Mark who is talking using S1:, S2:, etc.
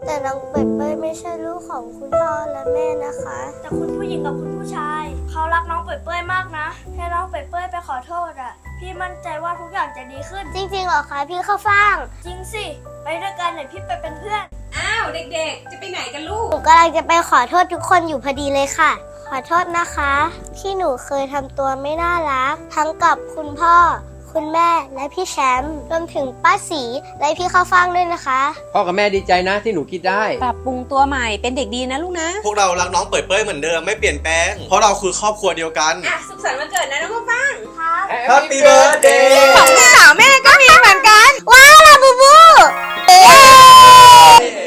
S1: แต่น้องเป้ยไม่ใช่ลูกของคุณพ่อและแม่นะคะ
S2: แต่คุณผู้หญิงกับคุณผู้ชายเขารักน้องเป้ยมากนะแค่น้องเป้ยไปขอโทษอ่ะพี่มั่นใจว่าทุกอย่างจะดีขึ้น
S1: จริงๆเหรอคะพี่ข้าวฟ่าง
S2: จริงสิไปด้วยกันเดี๋ยวพี่ไปเป็นเพื่อน
S3: อ้าวเด็กๆ จะไปไหนกันลูก
S1: หนูกำลังจะไปขอโทษทุกคนอยู่พอดีเลยค่ะ ขอโทษนะคะที่หนูเคยทำตัวไม่น่ารัก ทั้งกับคุณพ่อ คุณแม่และพี่แชมป์รวมถึงป้าสีและพี่ข้าวฟ่างด้วยนะคะ
S4: พ่อกับแม่ดีใจนะที่หนูคิดได้
S3: ปรับปรุงตัวใหม่เป็นเด็กดีนะลูกนะ
S5: พวกเรารักน้องเปิดเป้ยเหมือนเดิมไม่เปลี่ยนแปลง เพราะเราคือครอบครัวเดียวกัน
S3: อ่ะ สุขสันต์วันเกิดนะน้องข้าวฟ่าง
S2: ครับ
S5: Happy birthday
S3: ของลูกสาวแม่ก็มีเหมือนกัน
S1: ว้าวลาบูบู
S5: เย้